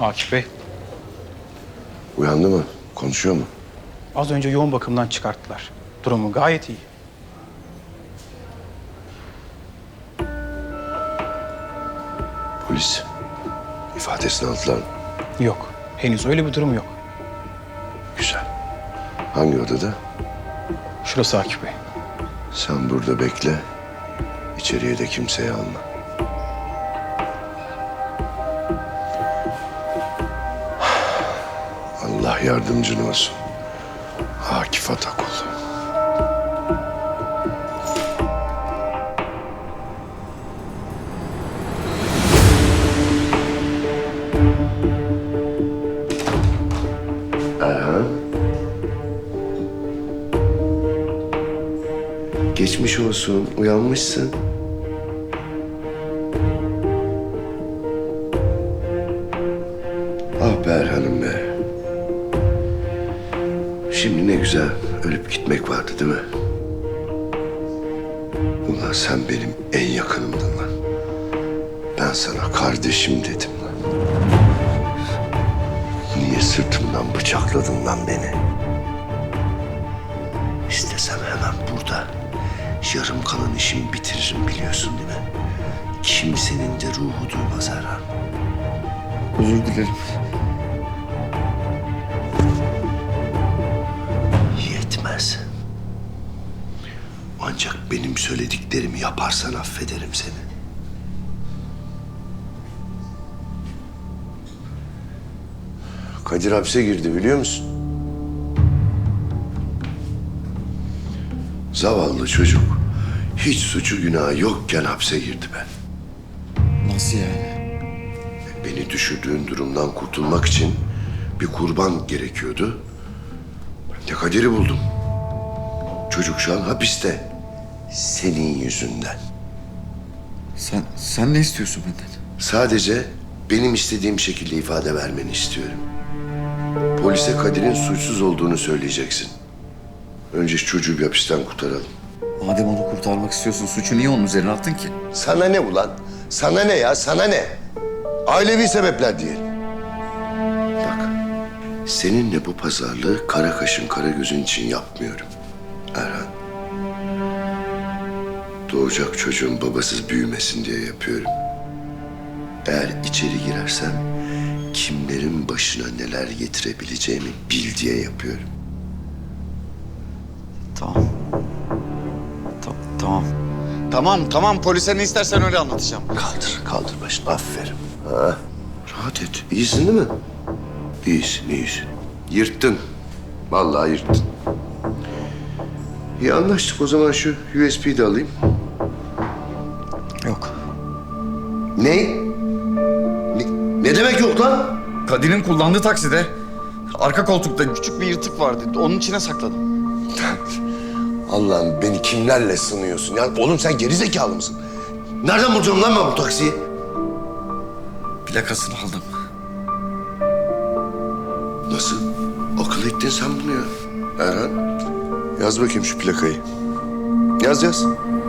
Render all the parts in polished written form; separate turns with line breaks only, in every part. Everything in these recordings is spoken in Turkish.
Akif Bey,
Uyandı mı? Konuşuyor mu?
az önce yoğun bakımdan çıkarttılar. Durumu gayet iyi.
Polis ifadesini aldılar mı?
Yok, henüz öyle bir durum yok.
Güzel. Hangi odada?
Şurası Akif Bey.
Sen burada bekle. İçeriye de kimseyi alma. Allah yardımcın olsun. Akif Atakul. Erhan. Geçmiş olsun. Uyanmışsın. Ah be Erhan'ım be. Şimdi ne güzel ölüp gitmek vardı değil mi? Ulan sen benim en yakınımdın lan. Ben sana kardeşim dedim lan. Niye sırtımdan bıçakladın lan beni? İstesem hemen burada yarım kalan işimi bitiririm biliyorsun değil mi? Kimsenin de ruhu duymaz Erhan.
Özür dilerim.
Yetmez. Ancak benim söylediklerimi yaparsan affederim seni. Kadir hapse girdi biliyor musun? Zavallı çocuk. Hiç suçu günahı yokken hapse girdi be.
Nasıl yani?
Beni düşürdüğün durumdan kurtulmak için bir kurban gerekiyordu. Ben de Kadir'i buldum. Çocuk şu an hapiste. Senin yüzünden.
Sen ne istiyorsun benden?
Sadece benim istediğim şekilde ifade vermeni istiyorum. Polise Kadir'in suçsuz olduğunu söyleyeceksin. Önce şu çocuğu bir hapisten kurtaralım.
Madem onu kurtarmak istiyorsun, suçu niye onun üzerine attın ki?
Sana ne ulan? Sana ne ya? Sana ne? Ailevi sebepler diyelim. Bak, seninle bu pazarlığı kara kaşın kara gözün için yapmıyorum. Erhan. Doğacak çocuğun babasız büyümesin diye yapıyorum. Eğer içeri girersem kimlerin başına neler getirebileceğimi bil diye yapıyorum.
Tamam. Tamam. Tamam, polise ne istersen öyle anlatacağım.
Kaldır başını. Aferin. Ha. Rahat et. İyisin değil mi? İyisin. Yırttın. Vallahi yırttın. İyi anlaştık o zaman şu USB'yi de alayım.
Yok.
Ne? Ne demek yok lan?
Kadir'in kullandığı takside arka koltukta küçük bir yırtık vardı. Onun içine sakladım.
Allah'ım beni kimlerle sınıyorsun? Ya oğlum sen geri zekalı mısın? Nereden bulacağım lan ben bu taksiyi?
Plakasını aldım.
Nasıl? Akıl ettin sen bunu ya. Erhan, yaz bakayım şu plakayı. Yaz.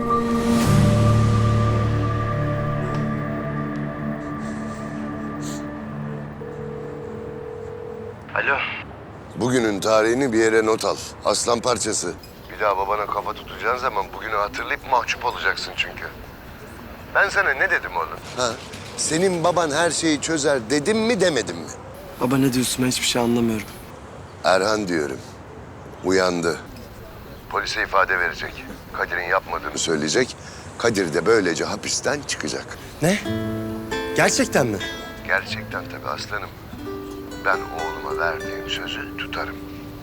Alo.
Bugünün tarihini bir yere not al. Aslan parçası. Bir daha babana kafa tutacağın zaman bugünü hatırlayıp mahcup olacaksın çünkü. Ben sana ne dedim oğlum? Ha? Senin baban her şeyi çözer dedim mi demedim mi?
Baba ne diyorsun, ben hiçbir şey anlamıyorum.
Erhan diyorum. Uyandı. Polise ifade verecek. Kadir'in yapmadığını söyleyecek. Kadir de böylece hapisten çıkacak.
Ne? Gerçekten mi?
Gerçekten tabii aslanım. Ben oğluma verdiğim sözü tutarım.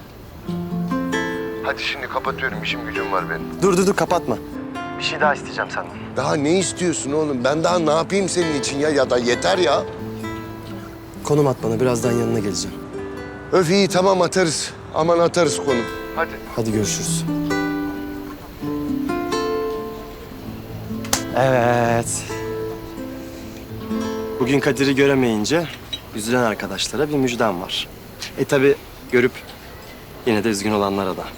Hadi şimdi kapatıyorum. İşim gücüm var benim.
Dur kapatma. Bir şey daha isteyeceğim senden.
Daha ne istiyorsun oğlum? Ben daha ne yapayım senin için ya? Ya da yeter ya.
Konum at bana, birazdan yanına geleceğim.
Öf iyi tamam atarız. Aman atarız konu. Hadi.
Hadi görüşürüz. Evet. Bugün Kadir'i göremeyince üzülen arkadaşlara bir müjdem var. Tabii görüp yine de üzgün olanlara da.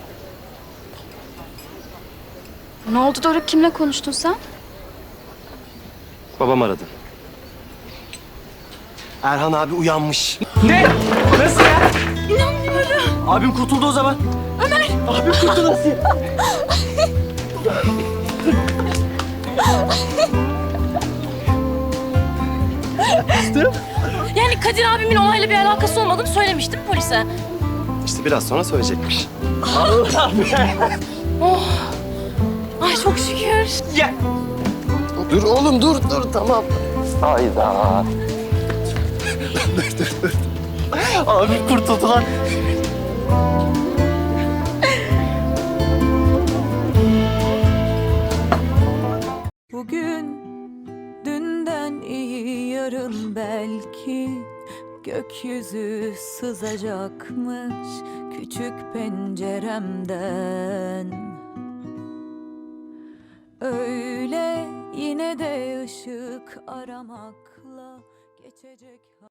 Ne oldu Doruk? Kimle konuştun sen?
Babam aradı. Erhan abi uyanmış.
Ne? Nasıl ya? İnanmıyorum. Abim kurtuldu o zaman.
Ömer!
Abim kurtuldu nasıl ya?
Yani Kadir abimin olayla bir alakası olmadığını söylemiştim polise.
İşte biraz sonra söyleyecekmiş.
Allah be.
Ay çok şükür.
Ya.
Dur oğlum dur tamam. Hayda.
Abim kurtuldu lan.
Bugün dünden iyi yarın belki gökyüzü sızacakmış küçük penceremden. Öyle yine de ışık aramakla geçecek.